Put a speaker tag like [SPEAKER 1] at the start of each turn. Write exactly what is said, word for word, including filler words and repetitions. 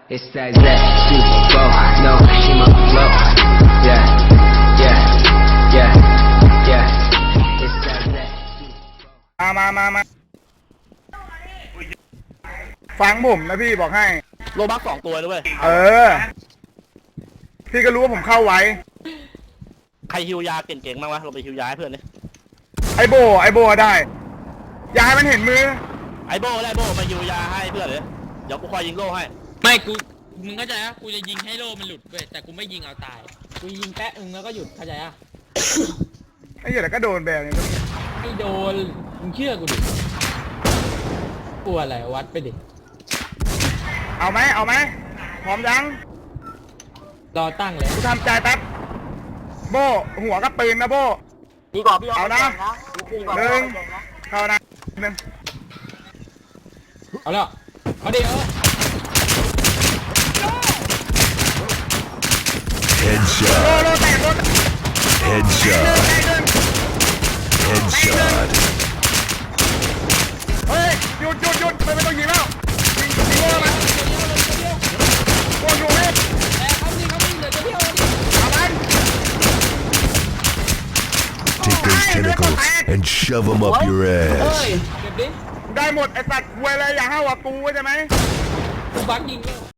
[SPEAKER 1] It's that that super flow, no shima flow. Yeah, yeah, yeah, yeah. It's that that super
[SPEAKER 2] มามามามาฟังผมนะพี่บอกให้
[SPEAKER 3] โลบักสองตัวด้วย
[SPEAKER 2] เออ พี่ก็รู้ว่าผมเข้าไว้
[SPEAKER 3] ใครฮิวยาเก่งๆบ้างวะเราไปฮิวยาให้เพื่อนเลย
[SPEAKER 2] ไอโบไอโบได้ อย่าให้มันเห็นมือ
[SPEAKER 3] ไอโบได้โบมาฮิวยาให้เพื่อนเลยเดี๋ยวกูคอยยิงโล่ให้
[SPEAKER 4] ไม่กูมึงเข้าใจอ่ะกูจะยิงให้โล่มันหลุดเว้ยแต่กูไม่ยิงเอาตายกูยิงแปะอึงแล้วก็หยุดเข้าใจอ่ะ
[SPEAKER 2] ไอ้เหี้ยแต่ก็โดนแบบนี้
[SPEAKER 4] ไม่โดนมึงเชื่อกูดิกลัวอะไรวัดไปดิ
[SPEAKER 2] เอาไหมเอาไหมพร้อมยัง
[SPEAKER 4] รอตั้งเลย
[SPEAKER 2] กูทำใจแป๊บ โบหัวกับปืนนะโบ
[SPEAKER 5] ดีกว่าพี่
[SPEAKER 2] เอานะ
[SPEAKER 5] ดีกว่า
[SPEAKER 2] หนึ่งเข้านะหนึ่ง
[SPEAKER 4] เอาแล้วเอาดิเอา
[SPEAKER 2] โล
[SPEAKER 6] Headshot.
[SPEAKER 2] โลแตกโลแตก
[SPEAKER 6] Headshot.
[SPEAKER 2] แตกหนึ่ง
[SPEAKER 6] Headshot.
[SPEAKER 2] เฮ้ยหยุดหยุดหยุดไม่ต้องยิงแล้วยิงยิงโลมันโลอยู่นี่
[SPEAKER 4] แต่เขายิงเขายิงเดี๋ยวจะเที่ยวดิ
[SPEAKER 2] เอามัน
[SPEAKER 6] Take those tentacles and shove them up your
[SPEAKER 4] เฮ้ย
[SPEAKER 6] ass.
[SPEAKER 4] เก็บดิ
[SPEAKER 2] ได้หมดไอสัตว์ควยเลยอย่าห้าวกับกูใช่ไหม
[SPEAKER 4] กูบักยิงแล้ว